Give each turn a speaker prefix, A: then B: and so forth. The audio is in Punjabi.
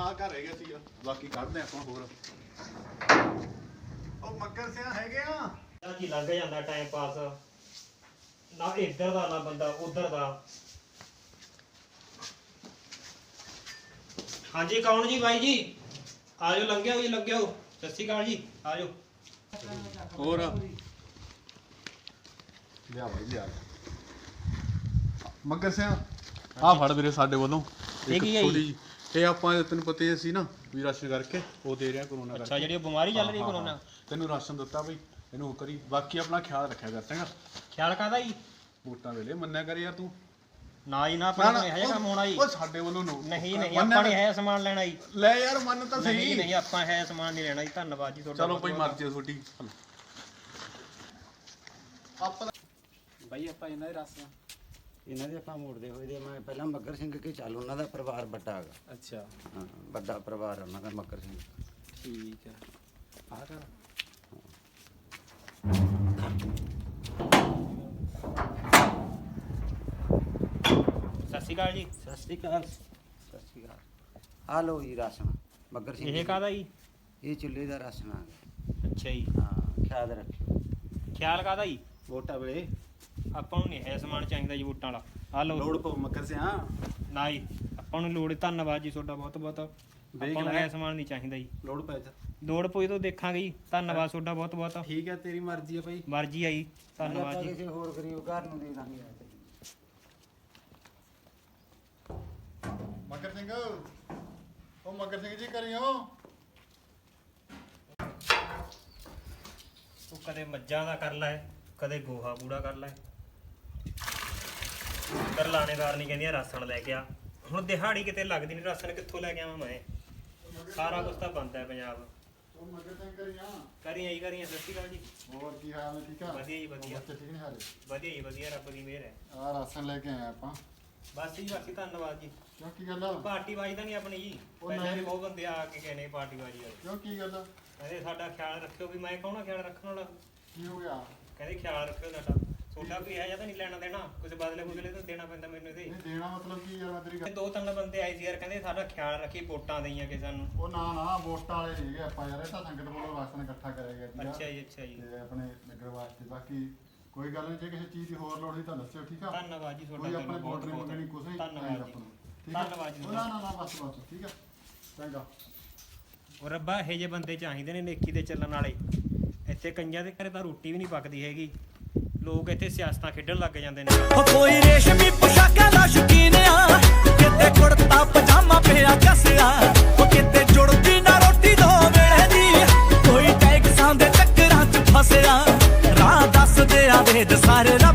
A: ਆ ਘਰ ਰਹਿ ਗਿਆ ਸੀਗਾ, ਬਾਕੀ ਕੱਢਦੇ ਆਪਾਂ ਹੋਰ। ਉਹ ਮੱਕਰ ਸਿਆ ਹੈਗੇ ਆ
B: ਕੀ ਲੰਘ ਜਾਂਦਾ ਟਾਈਮ ਪਾਸ, ਨਾ ਇੱਧਰ ਦਾ ਨਾ ਬੰਦਾ ਉਧਰ ਦਾ। ਹਾਂਜੀ ਕੌਣ ਜੀ ਬਾਈ ਜੀ? ਆਜੋ ਲੰਘਿਆ ਜੀ, ਲੱਗਿਓ। ਸਤਿ ਸ਼੍ਰੀ ਅਕਾਲ ਜੀ, ਆਜੋ।
A: ਹੋਰ ਲਿਆ ਬਾਈ ਲਿਆ ਮੱਕਰ ਸਿਆ ਆ ਫੜ ਵੀਰੇ ਸਾਡੇ ਵੱਲੋਂ
B: ਇਹ ਕੀ ਹੈ ਜੀ?
A: ਜਿਹੀ ਇਹ ਆਪਾਂ ਤੈਨੂੰ ਪਤਾ ਹੀ ਸੀ ਨਾ ਵੀ ਰਾਸ਼ਨ ਕਰਕੇ ਉਹ ਦੇ ਰਿਹਾ ਕਰੋਨਾ ਕਰਕੇ।
B: ਅੱਛਾ, ਜਿਹੜੀ ਬਿਮਾਰੀ ਚੱਲ ਰਹੀ ਕਰੋਨਾ,
A: ਤੈਨੂੰ ਰਾਸ਼ਨ ਦਿੱਤਾ ਬਈ, ਇਹਨੂੰ ਕਰੀ। ਬਾਕੀ ਆਪਣਾ ਖਿਆਲ ਰੱਖਿਆ ਕਰ ਚੰਗਾ।
B: ਖਿਆਲ ਕਾਹਦਾ ਜੀ?
A: ਵੋਟਾਂ ਵੇਲੇ ਮੰਨਿਆ ਕਰ ਯਾਰ ਤੂੰ।
B: ਨਾ ਜੀ ਨਾ, ਆਪਾਂ ਨੂੰ ਇਹੋ ਜਿਹਾ ਕੰਮ ਹੋਣਾ ਜੀ।
A: ਉਹ ਸਾਡੇ ਵੱਲੋਂ
B: ਨਹੀਂ ਨਹੀਂ, ਆਪਾਂ ਨੇ ਹੈ ਸਮਾਨ ਲੈਣਾ ਜੀ।
A: ਲੈ ਯਾਰ ਮੰਨ ਤਾਂ ਸਹੀ।
B: ਨਹੀਂ ਨਹੀਂ, ਆਪਾਂ ਹੈ ਸਮਾਨ ਨਹੀਂ ਲੈਣਾ ਜੀ। ਧੰਨਵਾਦ ਜੀ ਤੁਹਾਡਾ।
A: ਚਲੋ ਬਈ ਮਰਜ਼ੀ ਆ ਤੁਹਾਡੀ। ਆਪਾਂ
C: ਬਾਈ ਆਪਾਂ ਇਹਨਾਂ ਦੇ ਰਾਸਾਂ ਇਹਨਾਂ ਦੇ ਆਪਾਂ ਮੋੜਦੇ ਹੋਏ ਦੇ। ਮੈਂ ਪਹਿਲਾਂ ਮੱਗਰ ਸਿੰਘ ਕੇ ਚੱਲ, ਉਹਨਾਂ ਦਾ ਪਰਿਵਾਰ ਵੱਡਾ ਹੈਗਾ।
B: ਅੱਛਾ,
C: ਹਾਂ ਵੱਡਾ ਪਰਿਵਾਰ ਉਹਨਾਂ ਦਾ ਮੱਗਰ ਸਿੰਘ।
B: ਠੀਕ ਹੈ।
C: ਆਹ ਕਰ
B: ਸਤਿ ਸ਼੍ਰੀ ਅਕਾਲ ਜੀ।
C: ਸਤਿ ਸ਼੍ਰੀ ਅਕਾਲ। ਸਤਿ ਸ਼੍ਰੀ ਅਕਾਲ। ਆ ਲਓ ਜੀ ਰਾਸ਼ਨ ਮੱਗਰ ਸਿੰਘ
B: ਇਹ ਕਾਹਦਾ ਜੀ?
C: ਇਹ ਚੁੱਲ੍ਹੇ ਦਾ ਰਾਸ਼ਨ ਆ ਗਿਆ।
B: ਅੱਛਾ ਜੀ।
C: ਹਾਂ ਖਿਆਲ ਰੱਖਿਓ
B: ਖਿਆਲ ਕਾਹਦਾ ਜੀ?
C: ਵੋਟਾਂ ਵੇਲੇ
B: ਆਪਾਂ ਨੂੰ ਨਹੀਂ ਹੈ ਸਮਾਨ ਚਾਹੀਦਾ ਜੀ ਵੋਟਾਂ ਵਾਲਾ। ਆ ਲਓ।
C: ਲੋੜ ਪਊ ਮੱਗਰ ਸਿਆ।
B: ਨਾ ਜੀ, ਆਪਾਂ ਨੂੰ ਲੋੜ। ਧੰਨਵਾਦ ਜੀ ਤੁਹਾਡਾ ਬਹੁਤ ਬਹੁਤ। ਆਪਾਂ ਨੂੰ ਹੈ ਸਮਾਨ ਨਹੀਂ ਚਾਹੀਦਾ ਜੀ।
C: ਲੋੜ ਪੈ ਜਾ।
B: ਲੋੜ ਪਈ ਤਾਂ ਦੇਖਾਂਗੇ ਜੀ। ਧੰਨਵਾਦ ਤੁਹਾਡਾ ਬਹੁਤ ਬਹੁਤ।
C: ਠੀਕ ਹੈ, ਤੇਰੀ ਮਰਜ਼ੀ ਹੈ ਭਾਈ।
B: ਮਰਜ਼ੀ ਆਈ। ਧੰਨਵਾਦ ਜੀ।
C: ਕਿਸੇ ਹੋਰ ਗਰੀਬ ਘਰ ਨੂੰ ਦੇ ਦਾਂਗੇ।
A: ਮੱਕਰ ਸਿੰਘ, ਉਹ ਮੱਕਰ ਸਿੰਘ ਜੀ ਕਰਿਓ।
B: ਤੂੰ ਕਦੇ ਮੱਝਾਂ ਦਾ ਕਰ ਲੈ, ਕਦੇ ਗੋਹਾ ਕੂੜਾ ਕਰ ਲੈ। ਕਰ ਲਾਣੇਦਾਰ ਨਹੀਂ ਕਹਿੰਦੀਆਂ ਰਾਸ਼ਨ ਲੈ ਕੇ ਆ। ਹੁਣ ਦਿਹਾੜੀ ਕਿਤੇ ਲੱਗਦੀ ਨਹੀਂ, ਰਾਸ਼ਨ ਕਿੱਥੋਂ ਲੈ ਕੇ ਆਵਾਂ ਮੈਂ? ਸਾਰਾ ਕੁਝ ਤਾਂ ਬੰਦ ਹੈ ਪੰਜਾਬ।
A: ਉਹ ਮੱਕਰ ਸਿੰਘ ਕਰੀਆਂ।
B: ਕਰੀਆਂ ਜੀ, ਕਰੀਆਂ। ਸਤਿ ਸ਼੍ਰੀ ਅਕਾਲ ਜੀ।
A: ਹੋਰ ਕੀ ਹਾਲ ਹੈ? ਠੀਕ ਆ?
B: ਵਧੀਆ ਜੀ ਵਧੀਆ।
A: ਬੱਚੇ ਠੀਕ ਨੇ ਹਾਲੇ?
B: ਵਧੀਆ ਜੀ ਵਧੀਆ, ਰੱਬ ਦੀ ਮਿਹਰ ਹੈ।
A: ਆ ਰਾਸ਼ਨ ਲੈ ਕੇ ਆਏ ਆਪਾਂ।
B: ਬਸ ਜੀ ਬਾਕੀ ਧੰਨਵਾਦ ਜੀ।
A: ਕਿਉਂ ਕੀ ਗੱਲ ਆ?
B: ਪਾਰਟੀ ਬਾਜੀ ਤਾਂ ਨਹੀਂ ਆਪਣੀ ਜੀ।
A: ਉਹ
B: ਪਹਿਲਾਂ ਵੀ
A: ਨਹੀਂ।
B: ਬਹੁਤ ਬੰਦੇ ਆ ਕੇ ਕਹਿੰਦੇ ਪਾਰਟੀ ਬਾਜੀ ਵਾਲੇ।
A: ਕਿਉਂ ਕੀ ਗੱਲ ਆ?
B: ਕਹਿੰਦੇ ਸਾਡਾ ਖਿਆਲ ਰੱਖਿਓ। ਵੀ ਮੈਂ ਕਹਣਾ ਖਿਆਲ ਰੱਖਣ ਵਾਲਾ?
A: ਕੀ ਹੋ ਗਿਆ?
B: ਕਹਿੰਦੇ ਖਿਆਲ ਰੱਖਿਓ ਸਾਡਾ। ਤੁਹਾਡਾ ਕੋਈ ਹੈ ਜਾਂ ਤਾਂ ਨਹੀਂ ਲੈਣਾ ਦੇਣਾ, ਕੁਝ ਬਦਲੇ ਬੁਦਲੇ ਤਾਂ ਦੇਣਾ ਪੈਂਦਾ ਮੈਨੂੰ ਇਹਦੇ।
A: ਨਹੀਂ ਦੇਣਾ ਮਤਲਬ ਕੀ ਯਾਰ? ਮੈਂ ਤੇਰੀ ਗੱਲ।
B: ਦੋ ਤਿੰਨ ਬੰਦੇ ਆਏ ਸੀ ਯਾਰ, ਕਹਿੰਦੇ ਸਾਡਾ ਖਿਆਲ ਰੱਖੀ, ਵੋਟਾਂ ਦੇਈਆਂ ਕਿ ਸਾਨੂੰ।
A: ਉਹ ਨਾ ਨਾ ਵੋਟਾਂ ਵਾਲੇ ਸੀਗੇ ਆਪਾਂ ਯਾਰ। ਇਹ ਤਾਂ ਸੰਗਤ ਵੱਲੋਂ ਰਾਸ਼ਨ ਇਕੱਠਾ ਕਰਿਆ ਗਿਆ ਸੀਗਾ
B: ਅੱਛਾ ਜੀ, ਅੱਛਾ ਜੀ।
A: ਤੇ ਆਪਣੇ ਨਗਰ ਵਾਸਤੇ। ਬਾਕੀ ਕੋਈ ਗੱਲ ਨਹੀਂ, ਜੇ ਕਿਸੇ ਚੀਜ਼ ਦੀ ਹੋਰ ਲੋੜ ਹੋਈ ਤਾਂ ਦੱਸਿਓ, ਠੀਕ ਆ?
B: ਧੰਨਵਾਦ ਜੀ
A: ਕੋਈ
B: ਤੁਹਾਡਾ
A: ਆਪਣੇ
B: ਬਹੁਤ
A: ਵੋਟ ਨਹੀਂ ਮੰਗਣੀ, ਕੁਛ ਨਹੀਂ
B: ਧੰਨਵਾਦ ਜੀ।
A: ਠੀਕ ਆ?
B: ਧੰਨਵਾਦ ਜੀ।
A: ਉਹ ਨਾ ਨਾ ਨਾ ਬਸ ਬਸ ਠੀਕ ਆ, ਚੰਗਾ।
B: ਉਹ ਰੱਬਾ ਇਹੋ ਜਿਹੇ ਬੰਦੇ ਚਾਹੀਦੇ ਨੇ ਨੇਕੀ ਦੇ ਚੱਲਣ ਵਾਲੇ। ਇੱਥੇ ਕਈਆਂ ਦੇ ਘਰੇ ਤਾਂ ਰੋਟੀ ਵੀ ਨਹੀਂ ਪੱਕਦੀ ਹੈਗੀ। ਲੋਕ ਇੱਥੇ ਸਿਆਸਤਾਂ ਖੇਡਣ ਲੱਗ ਜਾਂਦੇ ਨੇ।
D: ਕੋਈ ਰੇਸ਼ਮੀ ਪੋਸ਼ਾਕਾਂ ਦਾ ਸ਼ੌਕੀਨ ਆ, ਕਿਤੇ ਕੁੜਤਾ ਪਜਾਮਾ ਪਿਆ ਕੱਸਿਆ, ਉਹ ਕਿਤੇ ਜੁੜਦੀ ਨਾ ਰੋਟੀ ਦੋ ਵੇਲੇ ਦੀ। ਕੋਈ ਟੈਕਸਾਂ ਦੇ ਚੱਕਰਾਂ 'ਚ ਫਸਿਆ, ਰਾਹ ਦੱਸਦੇ ਆ ਵੇਦ ਸਾਰੇ।